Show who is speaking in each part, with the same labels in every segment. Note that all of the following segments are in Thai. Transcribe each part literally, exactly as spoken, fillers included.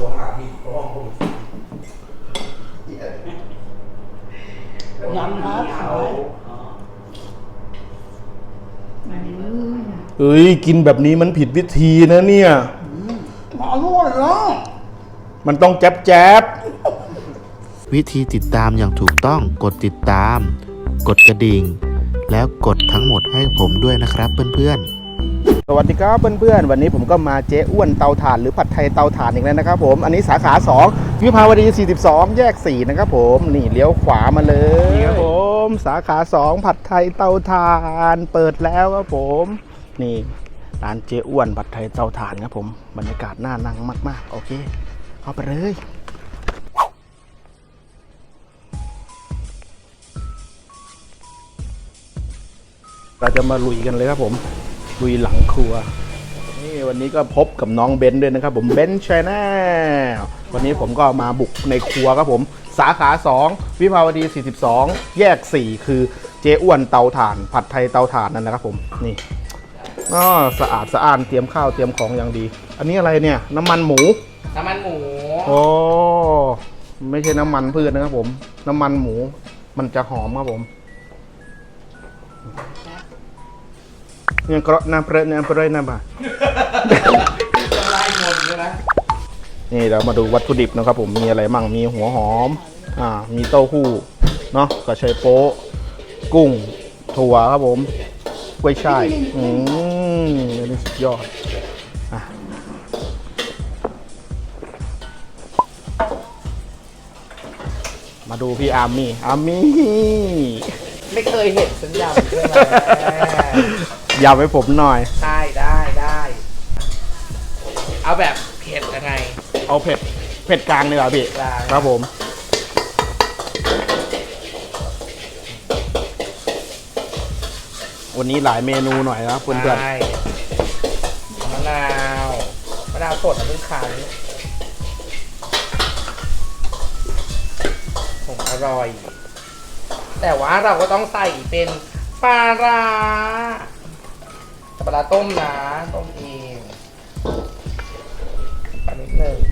Speaker 1: วหาผิดเพราะว่าผม
Speaker 2: ยำครับ
Speaker 3: เอ้ยกินแบบนี้มันผิดวิธีนะเนี่ย
Speaker 2: อร่อยเนาะ
Speaker 3: มันต้องแจ๊บแจ๊บ
Speaker 4: วิธีติดตามอย่างถูกต้องกดติดตาม กดกระดิ่ง แล้วกดทั้งหมดให้ผมด้วยนะครับเพื่อนๆ
Speaker 3: สวัสดีครับเพื่อนๆวันนี้ผมก็มาเจ๊อ้วนเตาถ่านหรือผัดไทยเตาถ่านอีกแล้วนะครับผมอันนี้สาขาสองวิภาวดีสี่สิบสองแยกสี่นะครับผมนี่เลี้ยวขวามาเลยนี่ครับผมสาขาสองผัดไทยเตาถ่านเปิดแล้วครับผมนี่ร้านเจ๊อ้วนผัดไทยเตาถ่านครับผมบรรยากาศน่านั่งมากๆโอเคเข้าไปเลยเราจะมาลุยกันเลยครับผมลุยหลังครัวนี่วันนี้ก็พบกับน้องเบนด้วยนะครับผมเบนชแนลวันนี้ผมก็มาบุกในครัวครับผมสาขาสองวิภาวดีสี่สิบสองแยกสี่คือเจ๊อ้วนเตาถ่านผัดไทยเตาถ่านนั่นแหละครับผมนี่อ๋อสะอาดสะอ้านเตรียมข้าวเตรียมของอย่างดีอันนี้อะไรเนี่ยน้ำมันหมู
Speaker 1: น้ำมันหมู
Speaker 3: โอ้ไม่ใช่น้ำมันพืชนะครับผมน้ำมันหมูมันจะหอมครับผมเนี่ยกระน้ำเปรี้ยวน้ำเปรี้ยวน้ำบ่า
Speaker 1: ไล่หมดเลยนะ
Speaker 3: นี่เรามาดูวัตถุดิบนะครับผมมีอะไรมั่งมีหัวหอมอ่ามีเต้าหู้เนาะกระเชยโป๊ะกุ้งถั่วครับผมกล้วยช่ายอืมนี่สุดยอดอ่ะมาดูพี่อาร์มี่อาร์มี่
Speaker 1: ไม่เคยเห็นสัญญาณเลย
Speaker 3: ยำให้ผมหน่อย
Speaker 1: ได้ได้ได้เอาแบบเผ็ดยังไง
Speaker 3: เอาเผ็ดเผ็ดกลางเลยเหรอพี่ครับผมวันนี้หลายเมนูหน่อยนะเพื่อน
Speaker 1: ๆมะนาวมะนาวสดนะเพิ่งคั้นผมอร่อยแต่ว่าเราก็ต้องใส่เป็นปลาร้าปลาร้าต้มนะต้มเองปลานิดหนึ่ง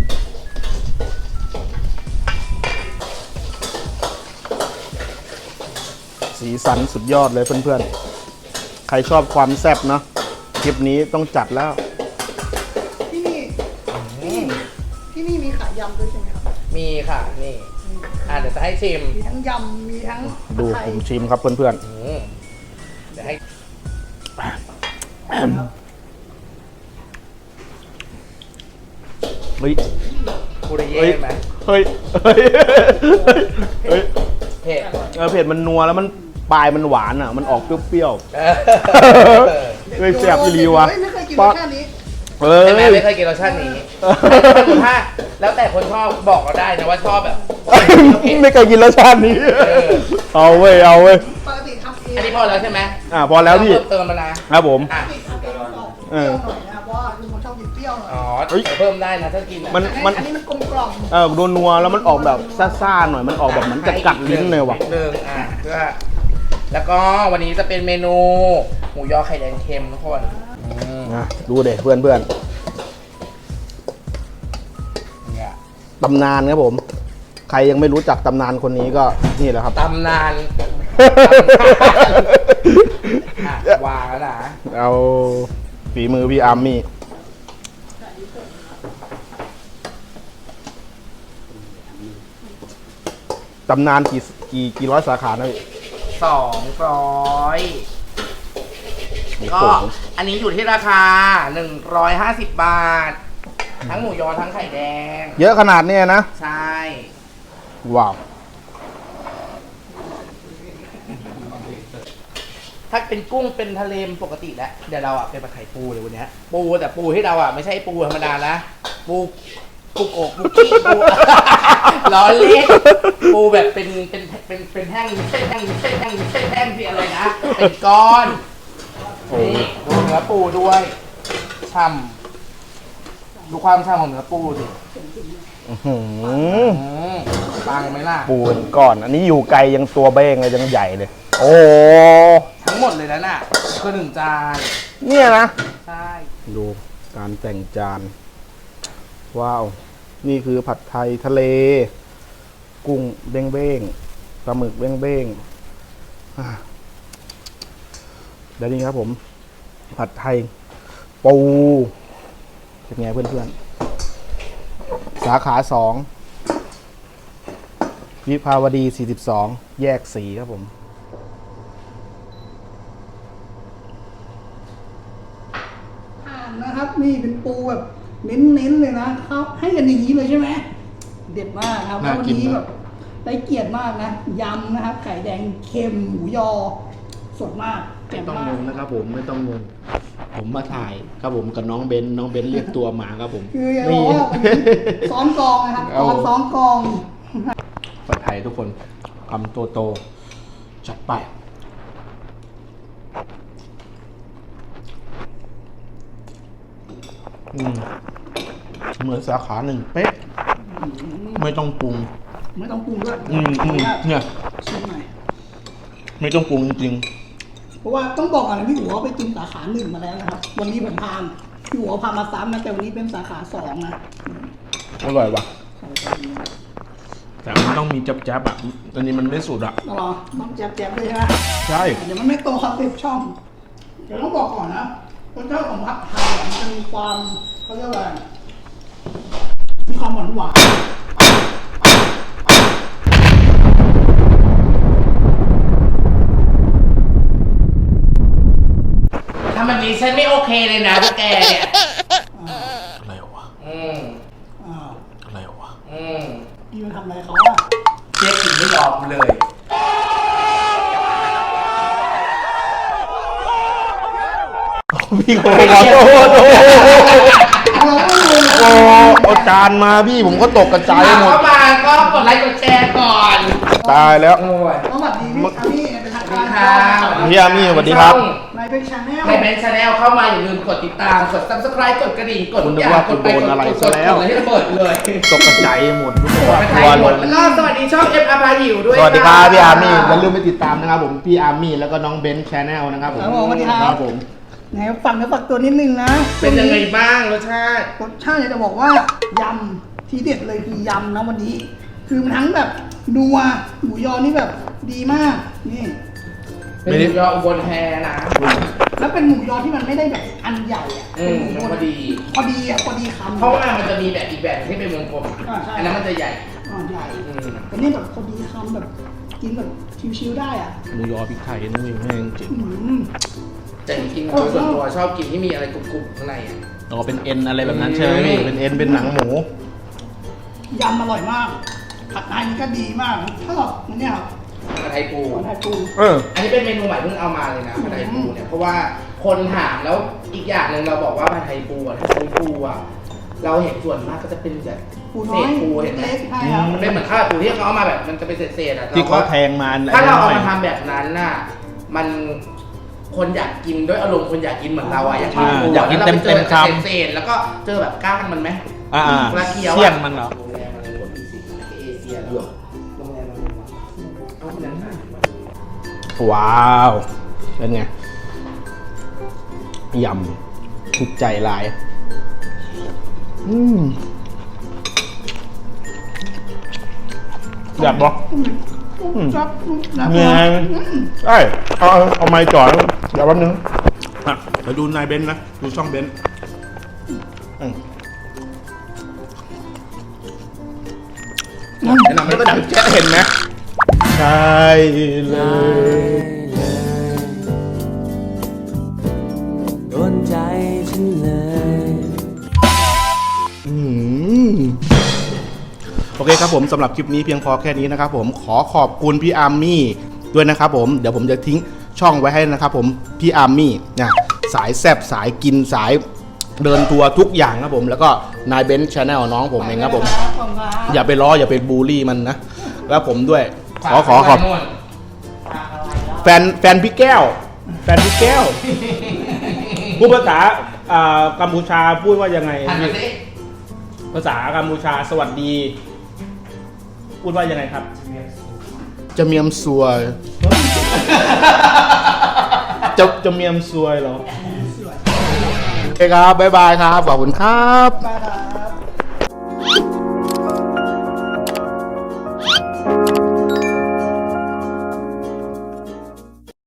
Speaker 3: สีสันสุดยอดเลยเพื่อนๆใครชอบความแซ่บเนาะคลิปนี้ต้องจัดแล้ว
Speaker 2: ที่นี่ที่นี่มีขายยำด้วยใช่ไหมครับ
Speaker 1: มีค่ะนี่อ่ะเดี๋ยวจะให้ชิม
Speaker 2: มีทั้งยำมีทั้ง
Speaker 3: ดูผมชิมครับเพื่อนๆ
Speaker 1: เดี๋ยวให้
Speaker 3: เฮ้ย
Speaker 1: กูได้เย่ไหม
Speaker 3: เฮ้ยเฮ้ยเฮ้ย
Speaker 1: เผ็ด
Speaker 3: เออเผ็ดมันนัวแล้วมันปลายมันหวานอ่ะมันออกเปรี้ยวๆเฮ้ยแซ่บอีหลีวะ
Speaker 2: ไม่เคยกินรสชาตินี้
Speaker 3: เออ
Speaker 1: ไม่ไม่เคยกินรสชาตินี้ถ้าแล้วแต่คนชอบบอกเราได้นะว่าชอบแบบ
Speaker 3: ไม่เคยกินรสชาตินี้เอาเว้ยเอาเว้ย
Speaker 2: ปกติทำเอง
Speaker 1: อันนี้พอแล้วใช่ไหม
Speaker 3: อ่าพอแล้วพี่
Speaker 1: เติมมาละ
Speaker 3: ครับผม
Speaker 2: เออหน่อยนะเพราะว่าลุงเขาชอบกินเปรี้ยวหน่อย
Speaker 1: อ๋อเพิ่มได้นะถ้ากิน
Speaker 3: มันมัน
Speaker 2: อันนี้มันกลมกล่อม
Speaker 3: เออโดนนัวแล้วมันออกแบบซ่าๆหน่อยมันออกแบบเหมือนจะกัดลิ้นเลยว่ะ
Speaker 1: หนึ่งอ่ะเพื่อแล้วก็วันนี้จะเป็นเมนูหมูยอไข่แดงเค็มทุกคน
Speaker 3: นะดูเด็เพื่อนเพื่อนตำนานครับผมใครยังไม่รู้จักตำนานคนนี้ก็นี่แหละครับ
Speaker 1: ตำนานวางแล้วนะ
Speaker 3: เอาฝีมือพี่อาร์มี่ตำนานกี่กี่กี่ร้อยสาขานะพี่
Speaker 1: สองร้อยก็อันนี้อยู่ที่ราคาหนึ่งร้อยห้าสิบบาททั้งหมูยอทั้งไข่แดง
Speaker 3: เยอะขนาดนี้นะ
Speaker 1: ใช่
Speaker 3: ว้าว
Speaker 1: ถ้าเป็นกุ้งเป็นทะเลปกติแล้วเดี๋ยวเราอ่ะเป็นปลาไข่ปูเลยวันนี้ปูแต่ปูที่เราอ่ะไม่ใช่ปูธรรมดานะปูปูโกปูกี้ปูล้อเล่นปูแบบเป็นเป็นเป็นเป็นแท่งเส้นแท่งเส้นแท่งเส้นแท่งที่อะไรนะเป็นก้อนนี่ดูเนื้อปูด้วยช่ำดูความช่ำของเนื้อปูสิปังไหมล่ะ
Speaker 3: ปูเป็นก้อนอันนี้อยู่ไกลยังตัวเบ้งเลยยังใหญ่เลยโอ้
Speaker 1: ทั้งหมดเลยแล้วน่ะคือหนึ่งจาน
Speaker 3: เนี่ยนะ
Speaker 1: ใช่
Speaker 3: ดูการแต่งจานว้าวนี่คือผัดไทยทะเล กุ้งเบ้งเบ้งปลาหมึกเบ้งเบ้งอ่าแล้วนี่ครับผม ผัดไทยปูเป็นไงเพื่อนๆ สาขาสองวิภาวดีสี่สิบสองแยกสีครับผม
Speaker 2: อ่านนะครับ นี่เป็นปูแบบเน้นๆเลยนะเขาให้กันอย่างนี้เลยใช่ไหมเด็ดมากครับแล้ววันนี้แบบได้เกียรติมากนะยำนะครับไข่แดงเค็มหมูยอสดมาก
Speaker 3: ไม่
Speaker 2: เจ๋ง
Speaker 3: ต้อง
Speaker 2: มาง ก
Speaker 3: งนะครับผมไม่ต้องงง ผมมาถ่ายครับผมกับน้องเบนน้องเบนเรียกตัวมาครับผม
Speaker 2: คืออย่าบอกว่าวันนี้ซ้อมกองนะครับ
Speaker 3: เอา
Speaker 2: ตอนซ้อมกอง
Speaker 3: ผัดไทยทุกคนคำโตโตๆจัดไปอืมเหมือนสาขาหนึ่งเป๊ะ ไม่ต้องปรุง
Speaker 2: ไม่ต้องปรุงด้วย
Speaker 3: อืมอืมเนี่ย
Speaker 2: ชิมหน่อย
Speaker 3: ไม่ต้องปรุงจริง
Speaker 2: เพราะว่าต้องบอกก่อนนะพี่หัวไปกินสาขาหนึ่งมาแล้วนะครับ วันนี้ผมพามพี่หัวพามาซ้ำนะแต่วันนี้เป็นสาขาสองนะ
Speaker 3: ๆอร่อยว่ะ แต่มันต้องมีจับจับๆอ่ะ อันนี้มันไม่สุดอ่ะ
Speaker 2: ต้องรอต้องแจ๊บๆเลยใช่ไหม
Speaker 3: ใช่
Speaker 2: เดี๋ยวมันไม่ตรงคอนเซ็ปต์ช่อง เดี๋ยวต้องบอกก่อนนะรสชาติของผัดไทยอะมันจะมีความเขาเรียกว่าอะไรมีความหวานหวาน
Speaker 1: ถ้ามันนี้ฉันไม่โอเคเลยนะพวกแกเนี่ย
Speaker 3: อะไรวะ
Speaker 1: อืม
Speaker 2: อ่า
Speaker 3: อะไรวะ
Speaker 1: อืม
Speaker 2: พี่มันทำอะไรเขาอะ
Speaker 1: เจ๊กินไม่ยอมเลย
Speaker 3: พี่ขอโทษโอ้โห
Speaker 2: เราก็งง
Speaker 3: โอ้เอาจานมาพี่ผมก็ตกกระจายหมด
Speaker 1: เข้ามาก็กดไลค์กดแชร์ก่อน
Speaker 3: ตายแล้ว
Speaker 1: โอ้ย
Speaker 2: สวัสดีพี่อามี่เป็นทางการ
Speaker 1: ครับ
Speaker 3: พี่อามี่สวัสดีครับ
Speaker 2: นายเป็นชาแนล
Speaker 1: ในเบนชาแนลเข้ามาอย่าลืมกดติดตาม กด ซับสไครบ์ กดกระดิ่ง กดทุกอย่าง
Speaker 3: คุณนึกว่าคุณโดนอะไร
Speaker 1: กด
Speaker 3: ซะแล้ว
Speaker 1: กดให้ระเบิดเลย
Speaker 3: ตกกระจายหมดรู้สึกว่า
Speaker 1: ไป
Speaker 3: ก
Speaker 1: ไท
Speaker 3: ลั
Speaker 1: ยว ห
Speaker 3: ห
Speaker 1: ม
Speaker 3: ม
Speaker 1: ด
Speaker 3: ด
Speaker 1: แล้วก็สวัสดีช่องเอฟอาร์พาหิวด้วย
Speaker 3: สวัสดีครับพี่อาร์มี่
Speaker 1: นะ
Speaker 3: อย่าลืมไปติดตามนะครับผมพี่อาร์มี่แล้วก็น้องเบนซ์ชาแนลนะครับผม
Speaker 2: ครับผมสวัสดีค
Speaker 3: ค
Speaker 2: รั
Speaker 3: รั
Speaker 2: บบ
Speaker 3: ผม
Speaker 2: ไหนฝังเนื้อฝักตัวนิดนึงนะ
Speaker 1: เป็นยังไงบ้างรสชาติ
Speaker 2: รสชาติเนี่ยจะบอกว่ายำทีเด็ดเลยคือยำนะวันนี้ คือมันทั้งแบบนัวหมูยอนี่แบบดีมากนี่
Speaker 1: เป็นหมูยออุบลแฮนะ
Speaker 2: แล้วเป็นหมูยอที่มันไม่ได้แบบอันใหญ่อะ
Speaker 1: อื
Speaker 2: เป็น
Speaker 1: ม
Speaker 2: หมู
Speaker 1: พอดี
Speaker 2: พอดีอะพอดีคำ
Speaker 1: เพราะว่ามันจะมีแบบอีกแบบที่เป็นวงกลม
Speaker 2: อ่าใช่
Speaker 1: อันนั้นมันจะใหญ่
Speaker 2: อ่าใหญ่
Speaker 1: อืม
Speaker 2: แต่นี่แบบพอดีคำแบบกินแบบชิวๆได้อ่ะ
Speaker 3: หมูยอพริกไทยนี่แม่งจริง
Speaker 2: อืม
Speaker 1: แต่จริงๆโดยส่วนตัวชอบกินที่มีอะไรกรุบๆข้างในอ่ะ
Speaker 3: อ๋อเป็นเอ็นอะไรแบบนั้นใช่ไหมพี่เป็นเอ็นเป็นหนังหมู
Speaker 2: ยำอร่อยมากผัดไทยนี่ก็ดีมากนะถ้าแบบเนี่ยครับ
Speaker 1: ผัดไทยปู
Speaker 2: ผัดไทยปู
Speaker 3: เออ
Speaker 1: อันนี้เป็นเมนูใหม่เพิ่งเอามาเลยนะผัดไทยปูเนี่ยเพราะว่าคนถามแล้วอีกอย่างหนึ่งเราบอกว่าผัดไทยปูอ่ะถ้าใช้ปูอ่ะเราเห็นส่วนมากก็จะเป็นแบบ
Speaker 2: ปูน้
Speaker 1: เศ
Speaker 2: อย
Speaker 1: ษปูเห็นไหม
Speaker 2: เล็กๆใช่ครับ
Speaker 1: มันเป็นเหมือนข้าวปูที่เขาเอามาแบบมันจะเป็นเศษๆอ่ะ
Speaker 3: ที่เขา
Speaker 1: รก็
Speaker 3: แทงมา
Speaker 1: ถ้าเราเอา
Speaker 3: หน่
Speaker 1: มา
Speaker 3: อย
Speaker 1: ทำแบบนั้นน่ะมันคนอยากกินด้วยอารมณ์คนอยากกินเหมือนเราอ่ะอยากกิน
Speaker 3: อ่า
Speaker 1: ปู
Speaker 3: อยากกิน
Speaker 1: แล้วรไป
Speaker 3: เต็มๆ
Speaker 1: จอ
Speaker 3: คำ
Speaker 1: เศษๆแล้วก็เจอแบบก้างมันไหม
Speaker 3: อ่า
Speaker 1: เวลาเคี้ยวอะ
Speaker 3: เสี่ยงมันเหรอ
Speaker 1: โรงแรมอะไรกดพิเศษเอเชียแล้วโรงแรมอะไรวะเอาคนนั้นมา
Speaker 3: ว้าว เป็นไง ยำถูกใจหลาย อืมอยากบอก
Speaker 2: ครับ
Speaker 3: เงยใช่เอาเอาเอาไม้จ่อแล้วเดี๋ยวแป๊บนึงอ่ะเดี๋ยวดูนายเบนซ์นะ ดูช่องเบนซ์อืม
Speaker 1: แนะนำไม่
Speaker 3: แล้ว
Speaker 1: ได้
Speaker 3: ก็ดังแจ๊ะเห็นไหมใช่เลย
Speaker 5: โดนใจฉันเลย
Speaker 3: อืมโอเคครับผมสำหรับคลิปนี้เพียงพอแค่นี้นะครับผมขอขอบคุณพี่อาร์มี่ด้วยนะครับผมเดี๋ยวผมจะทิ้งช่องไว้ให้นะครับผมพี่อาร์มี่นะสายแซบสายกินสายเดินทัวร์ทุกอย่างครับผมแล้วก็นายเบนซ์ชาแนลน้องผมเองครับผมอย่าไปล้ออย่าไปบูลลี่มันนะแล้วผมด้วยขอขอขอบแฟนแฟนพี่แก้ว แฟนพี่แก้วพูดภาษาอ่ากัมพูชาพูดว่ายังไง
Speaker 1: หันมาสิ
Speaker 3: ภาษากัมพูชาสวัสดี พูดว่ายังไงครับ จะเมียมซวย จะจะเมียมซวยเหรอโอเคครับ บ๊ายบายครับ ขอบคุณครับ
Speaker 2: บาย